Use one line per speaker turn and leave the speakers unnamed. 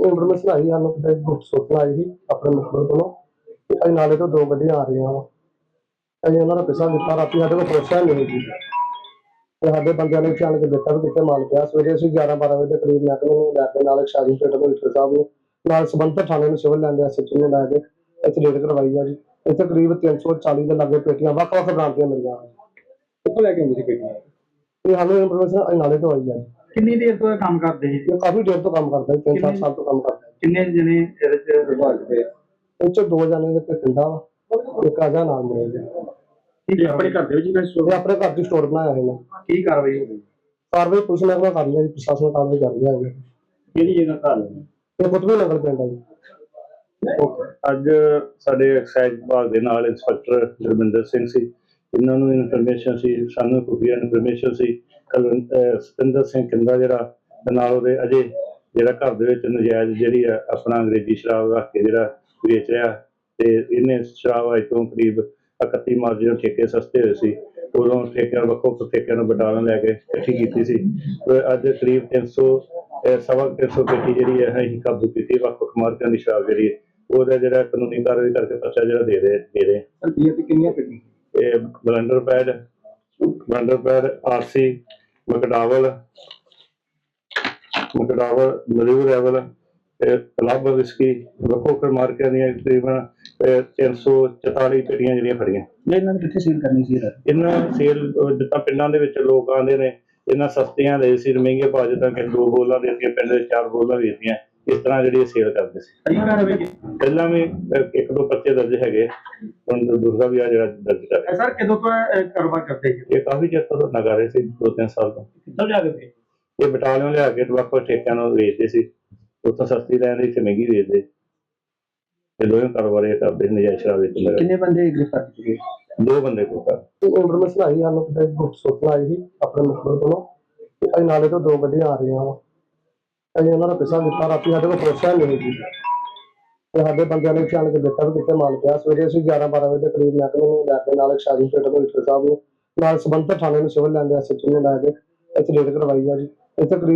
Information ਆਈ ਸਾਨੂੰ ਕਿਤੇ ਸੂਚਨਾ ਆਈ ਸੀ ਆਪਣੇ ਮੁਖਬਰ ਕੋਲੋਂ ਕਿ ਅਸੀਂ ਨਾਲੇ ਤੋਂ 2 ਗੱਡੀਆਂ ਆ ਰਹੀਆਂ ਵਾ। ਅਸੀਂ ਉਹਨਾਂ ਦਾ ਪਿੱਛਾ ਕੀਤਾ, ਰਾਤੀ ਸਾਡੇ ਕੋਲ ਪੁੱਛਿਆ ਨਹੀਂ ਸੀ ਤੇ ਸਾਡੇ ਬੰਦਿਆਂ ਨੇ ਚੱਲ ਕੇ ਦੇਖਿਆ ਵੀ ਕਿੱਥੇ ਮਾਲ ਪਿਆ। ਸਵੇਰੇ ਅਸੀਂ 11-12 ਵਜੇ ਦੇ ਕਰੀਬ ਮਹਿਕਮੇ ਨੂੰ ਲੈ ਕੇ ਨਾਲ ਸ਼ਾਹੀ ਪੇਟ ਕਮਿਸ਼ਨਰ ਸਾਹਿਬ ਨੂੰ ਨਾਲ ਸੰਬੰਧਿਤ ਥਾਣੇ ਨੂੰ ਸਿਵਲ ਲੈਂਦੇ ਐਸਐਚਓ ਨੂੰ ਲੈ ਕੇ ਇੱਥੇ ਰੇਡ ਕਰਵਾਈ ਆ ਜੀ। ਇੱਥੇ ਕਰੀਬ 340 ਦੇ ਲਾਗੇ ਪੇਟੀਆਂ ਵੱਖ-ਵੱਖ ਬ੍ਰਾਂਡ ਦੀਆਂ ਮਿਲੀਆਂ।
ਕਿੱਥੋਂ ਲੈ ਕੇ ਆਉਂਦੇ ਸੀ ਪੇਟੀਆਂ?
ਇਹ ਸਾਨੂੰ ਇਨਫੋਰਮੇਸ਼ਨ ਅਸੀਂ ਨਾਲੇ ਤੋਂ ਆਈ ਆ ਜੀ।
ਕਿੰਨੀ ਦੇਰ ਤੋਂ ਇਹ ਕੰਮ ਕਰਦੇ ਸੀ?
ਇਹ ਕਾਫੀ ਦੇਰ ਤੋਂ ਕੰਮ ਕਰਦਾ ਜੀ, 3-4 ਸਾਲ ਤੋਂ ਕੰਮ ਕਰਦਾ।
ਕਿੰਨੇ ਜਣੇ ਇਹਦੇ ਚ ਵਿਭਾਗ ਦੇ?
ਇਹ 'ਚੋਂ 2 ਜਣੇ ਦੇ ਪਿੰਡਾ ਵਾ, ਇੱਕ ਆਜਾ ਨਾਮ ਮੇਰੇ ਜੀ।
ਇਹ ਆਪਣੇ ਘਰ ਦੇ ਵਿੱਚ
ਇਹ ਆਪਣੇ ਘਰ ਦੀ ਸਟੋਰ ਬਣਾਇਆ ਹੈ ਨਾ।
ਕੀ ਕਾਰਵਾਈ ਹੋ ਗਈ?
ਕਾਰਵਾਈ ਪੁਲਿਸ ਮਹਿਕਮਾ ਕਰ ਲਿਆ ਜੀ, ਪ੍ਰਸ਼ਾਸਨ ਕਾਰਵਾਈ ਕਰ ਰਿਹਾ ਹੈ।
ਕਿਹੜੀ ਜਗ੍ਹਾ ਘਰ ਹੈ?
ਇਹ ਕੁਤਬੀ ਨਗਰ ਪਿੰਡ ਹੈ ਜੀ।
ਅੱਜ ਸਾਡੇ ਐਕਸਾਈਜ਼ ਵਿਭਾਗ ਦੇ ਨਾਲ ਇੰਸਪੈਕਟਰ ਗੁਰਮਿੰਦਰ ਸਿੰਘ ਸੀ। ਇਹਨਾਂ ਨੂੰ ਇਨਫੋਰਮੇਸ਼ਨ ਸੀ, ਸਾਨੂੰ ਖੁਫੀਆ ਇਨਫੋਰਮੇਸ਼ਨ ਸੀ ਸਤਿੰਦਰ ਸਿੰਘ ਕਿੰਦਾ ਜਿਹੜਾ ਤੇ ਨਾਲ ਉਹਦੇ ਅਜੇ ਜਿਹੜਾ ਘਰ ਦੇ ਵਿੱਚ ਨਜਾਇਜ਼ ਜਿਹੜੀ ਆ ਆਪਣਾ ਅੰਗਰੇਜ਼ੀ ਸ਼ਰਾਬ ਰੱਖ ਕੇ ਜਿਹੜਾ ਵੇਚ ਰਿਹਾ ਤੇ ਇਹਨੇ ਸ਼ਰਾਬ ਅੱਜ ਤੋਂ ਕਰੀਬ 31 ਮਾਰਚ ਜਦੋਂ ਠੇਕੇ ਸਸਤੇ ਹੋਏ ਸੀ ਉਦੋਂ ਠੇਕਿਆਂ ਵੱਖੋ ਠੇਕਿਆਂ ਨੂੰ ਬਟਾਲਾ ਲੈ ਕੇ ਇਕੱਠੀ ਕੀਤੀ ਸੀ। ਅੱਜ ਕਰੀਬ 300 ਪੇਟੀ ਜਿਹੜੀ ਹੈ ਅਸੀਂ ਕਾਬੂ ਕੀਤੀ। ਵੱਖ-ਵੱਖ ਮਾਰਕਿਆਂ ਦੀ ਸ਼ਰਾਬ ਜਿਹੜੀ ਹੈ ਉਹਦਾ ਜਿਹੜਾ ਕਾਨੂੰਨੀ ਕਾਰਵਾਈ ਕਰਕੇ ਪਰਚਾ ਜਿਹੜਾ ਦੇ ਰਹੇ।
ਕਿੰਨੀਆਂ ਪੇਟੀਆਂ?
ਇਹ ਬਲੈਂਡਰ ਪੈਡ ਆਰਸੀ ਮਕਡਾਵਲ ਮਲਿਊ ਰੈਵਲ ਕਲੱਬ ਵਿਸਕੀ ਵੱਖੋ ਮਾਰਕਿਆਂ ਦੀਆਂ ਤਕਰੀਬਨ 344 ਪੇਟੀਆਂ ਜਿਹੜੀਆਂ ਫੜੀਆਂ।
ਇਹਨਾਂ ਨੇ ਕਿੱਥੇ ਸੇਲ ਕਰਨੀ ਸੀ?
ਇਹਨਾਂ ਸੇਲ ਜਿੱਦਾਂ ਪਿੰਡਾਂ ਦੇ ਵਿੱਚ ਲੋਕ ਆਉਂਦੇ ਨੇ ਇਹਨਾਂ ਸਸਤੀਆਂ ਦੇ ਸੀ ਮਹਿੰਗੇ ਭਾਅ, ਜਿੱਦਾਂ ਕਿ 2 ਬੋਲਾਂ ਦੇ ਅੱਗੇ ਪਿੰਡ ਦੇ 4 ਬੋਲਾਂ ਵੇਚਦੀਆਂ, ਇਸ ਤਰ੍ਹਾਂ ਜਿਹੜੀ ਸੇਲ ਕਰਦੇ ਸੀ। ਪਹਿਲਾਂ ਵੀ 1-2 ਪਰਚੇ ਦਰਜ ਹੈਗੇ, ਹੁਣ ਦੂਸਰਾ ਵੀ ਆ ਜਿਹੜਾ ਦਰਜ ਕਰ ਰਿਹਾ।
ਸਰ ਕਦੋਂ ਤੋਂ ਕਾਰੋਬਾਰ ਕਰਦੇ ਸੀ?
ਇਹ ਕਾਫੀ ਚਿਰ ਤੋਂ ਲਗਾ ਰਹੇ ਸੀ, 2-3 ਸਾਲ ਤੋਂ।
ਕਿੱਥੋਂ ਲਿਆ ਕੇ?
ਇਹ ਬਟਾਲਿਓਂ ਲਿਆ ਕੇ ਵੱਖ-ਵੱਖ ਠੇਕਿਆਂ ਨੂੰ ਵੇਚਦੇ ਸੀ, ਉੱਥੋਂ ਸਸਤੀ ਲੈਂਦੇ ਇੱਥੇ ਮਹਿੰਗੀ ਵੇਚਦੇ। ਇਹ ਦੋਵੇਂ ਕਾਰੋਬਾਰ ਇਹ ਕਰਦੇ ਨਜਾਇਜ਼ ਸ਼ਰਾਬ ਵੇਚਣ।
ਕਿੰਨੇ ਬੰਦੇ ਗ੍ਰਿਫਤਾਰ ਕੀਤੇ ਗਏ?
2 ਬੰਦੇ ਕੋਲ
ਇਨਫੋਰਮੇਸ਼ਨ ਆਈ ਸਾਨੂੰ ਕਿਤੇ ਸੂਚਨਾ ਆਈ ਸੀ ਆਪਣੇ ਮੁਖਬਰ ਕੋਲੋਂ ਕਿ ਅਸੀਂ ਨਾਲੇ ਤੋਂ 2 ਗੱਡੀਆਂ ਆ ਰਹੀਆਂ ਵਾ। ਅਸੀਂ ਉਹਨਾਂ ਦਾ ਪਿੱਛਾ ਕੀਤਾ, ਰਾਤੀ ਸਾਡੇ ਕੋਲ ਪੁੱਛਿਆ ਨਹੀਂ ਸੀ ਤੇ ਸਾਡੇ ਬੰਦਿਆਂ ਨੇ ਚੱਲ ਕੇ ਦੇਖਿਆ ਵੀ ਕਿੱਥੇ ਮਾਲ ਪਿਆ। ਸਵੇਰੇ ਅਸੀਂ 11-12 ਵਜੇ ਦੇ ਕਰੀਬ ਮਹਿਕਮੇ ਨੂੰ ਲੈ ਕੇ ਨਾਲ ਸ਼ਾਹੀ ਪੇਟ ਕਮਿਸ਼ਨਰ ਸਾਹਿਬ ਨੂੰ ਨਾਲ ਸੰਬੰਧਿਤ ਥਾਣੇ ਨੂੰ ਸਿਵਲ ਲੈਂਦੇ ਐਸਐਚਓ ਨੂੰ ਲੈ ਕੇ ਇੱਥੇ ਰੇਡ ਕਰਵਾਈ ਆ ਜੀ। ਇੱਥੇ ਕਰੀਬ